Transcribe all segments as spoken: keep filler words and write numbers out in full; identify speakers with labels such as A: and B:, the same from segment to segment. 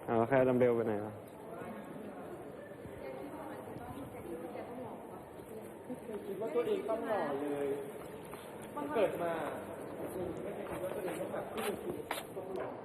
A: เอาแล้วแค่ดัมเบลไปไหนวะ
B: ไม่เคยคิดว่าตัวเองต้องหล่อเลยเกิดมาไม่เคยคิดว่าตัวเองต้องแบบที่มีต้องหล่อ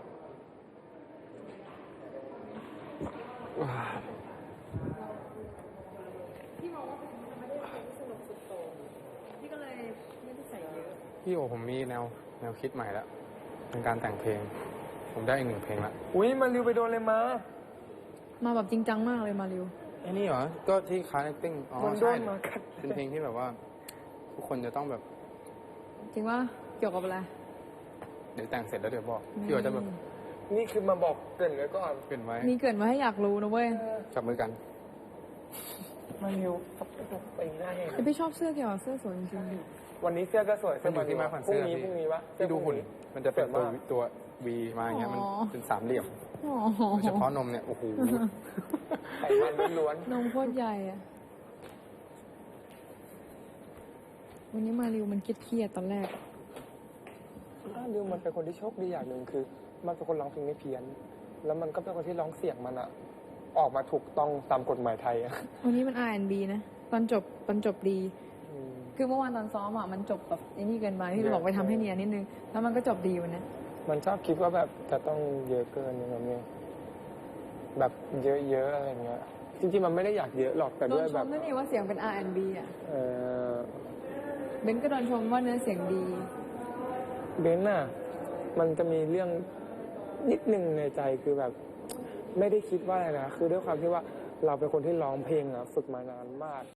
C: พี่มองว่าผมไม่ได้เป็นสนุกสุดโต่งพี่ก็เลยไม่ได้ใส่เยอะ
D: พี่โอผมมีแนวแนวคิดใหม่แล้วเป็นการแต่งเพลงผมได้อีกหนึ่งเพลงละ
B: อุ้ยมันริวไปโดนเลยมา
C: มาแบบจริงจังมากเลยมาริว
D: ไอ้นี่เหรอก็ที่คาแรคติ้งอ๋อ
B: มันโด
D: ใช่
B: นมากัด
D: เป็นเพลงที่แบบว่า ทุกคนจะต้องแบบ
C: จริงว่าเกี่ยวกับอะไร
D: เดี๋ยวแต่งเสร็จแล้วเดี๋ยวบอกพี่โอจะแบบ
B: นี่คือมาบอกเกรินไว้ก่อน
D: เป็นไว้
C: นี่เกิดมาให้อยากรู้นะเว้ย
D: จับมือกัน
B: มาริวไปหน้าแห้ง
C: แต่พี่ชอบเสื้อเกี่ยวกับเสื้อสวยจริง
B: วันนี้เสื้อก็สวย
D: มันอยู่ที่มาคอนเสื้อ
B: พรุ่งนี้
D: พี่
B: พรุ่งนี้ปะ
D: พี่ดูหุ่นมันจะเป็นตัว
B: สวยมาก
D: ตัววีมาอย่างเงี้ยมันเป็นสามเหลี่ยม
C: ๆอ๋อ
D: โดยเฉพาะนมเนี่ยโอ้โห
B: ไขมันล้วน
C: นมโคตรใหญ่อะวันนี้มาริวมันเครียดๆตอนแรก
B: ๆอ้าวริวมันเป็นคนที่โชคดีอย่างหนึ่งคือ มันเป็นคนร้องเพลงไม่เพี้ยน แล้วมันก็เป็นคนที่ร้องเสียงมันอะออกมาถูกต้องตามกฎหมายไทยอะ
C: วันนี้มัน อาร์ แอนด์ บี นะ ตอนจบตอนจบดี
B: อืม
C: คือเมื่อวานตอนซ้อมอ่ะมันจบแบบไอ้นี่เกินไปที่เราบอกไปทำให้เนียนนิดนึง แล้วมันก็จบดีวันนี้
B: มันชอบคิดว่าแบบจะต้องเยอะเกินอย่างเงี้ยแบบเยอะๆอะไรเงี้ย จริงๆมันไม่ได้อยากเยอะหรอกแต่
C: โด
B: ด้วน ย
C: ช
B: แบ
C: ม
B: บ
C: ด้วยนี่ว่าเสียงเป็น อาร์ แอนด์ บี อ่ะ
B: เออ
C: เบนก็โดนชมว่าเนื้อเสียงดี
B: เบนน่ะ มันจะมีเรื่องนิดนึงในใจคือแบบ ไม่ได้คิดว่าอะไรนะ คือด้วยความที่ว่าเราเป็นคนที่ร้องเพลงอะฝึกมานานมาก